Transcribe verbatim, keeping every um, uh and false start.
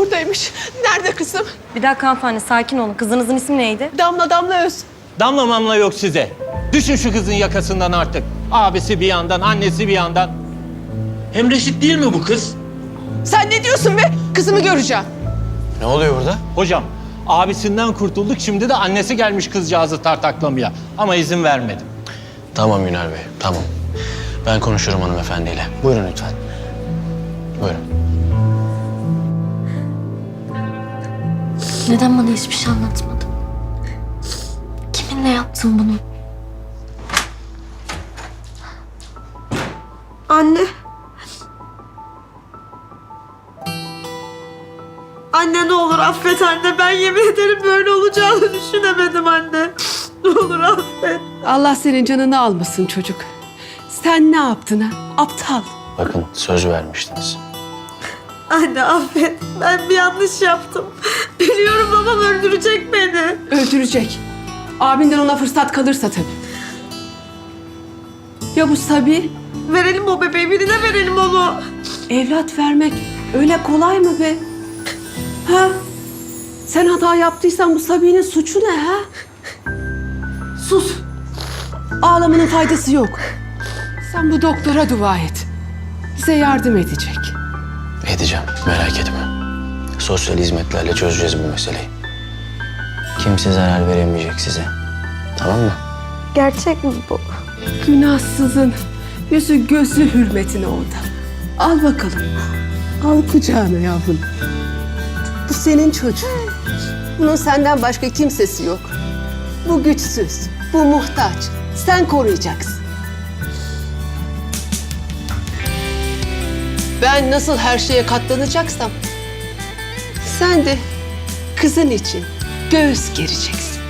buradaymış. Nerede kızım? Bir dakika hanımefendi, sakin olun. Kızınızın ismi neydi? Damla Damla Öz. Damla mamla yok size. Düşün şu kızın yakasından artık. Abisi bir yandan, annesi bir yandan. Hem reşit değil mi bu kız? Sen ne diyorsun be? Kızımı göreceğim. Ne oluyor burada? Hocam, abisinden kurtulduk. Şimdi de annesi gelmiş kızcağızı tartaklamaya. Ama izin vermedim. Tamam Yüner Bey, tamam. Ben konuşurum hanımefendiyle. Buyurun lütfen. Buyurun. Neden bana hiçbir şey anlatmadın? Kiminle yaptın bunu? Anne. Anne ne olur affet anne. Ben yemin ederim böyle olacağını düşünemedim anne. Ne olur affet. Allah senin canını almasın çocuk. Sen ne yaptın ha? Aptal. Bakın söz vermiştiniz. Anne affet. Ben bir yanlış yaptım. Biliyorum babam öldürecek beni. Öldürecek. Abinden ona fırsat kalırsa tabii. Ya bu Sabi? Verelim o bebeği, birine verelim onu. Evlat vermek öyle kolay mı be? Ha? Sen hata yaptıysan bu Sabi'nin suçu ne ha? Sus. Ağlamanın faydası yok. Sen bu doktora dua et. Bize yardım edecek. Edeceğim, merak etme. Sosyal hizmetlerle çözeceğiz bu meseleyi. Kimse zarar veremeyecek size. Tamam mı? Gerçek mi bu? Günahsızın yüzü gözü hürmetine orada. Al bakalım. Al kucağına yavrum. Bu senin çocuğun. Bunun senden başka kimsesi yok. Bu güçsüz, bu muhtaç. Sen koruyacaksın. Ben nasıl her şeye katlanacaksam sen de kızın için göğüs gereceksin.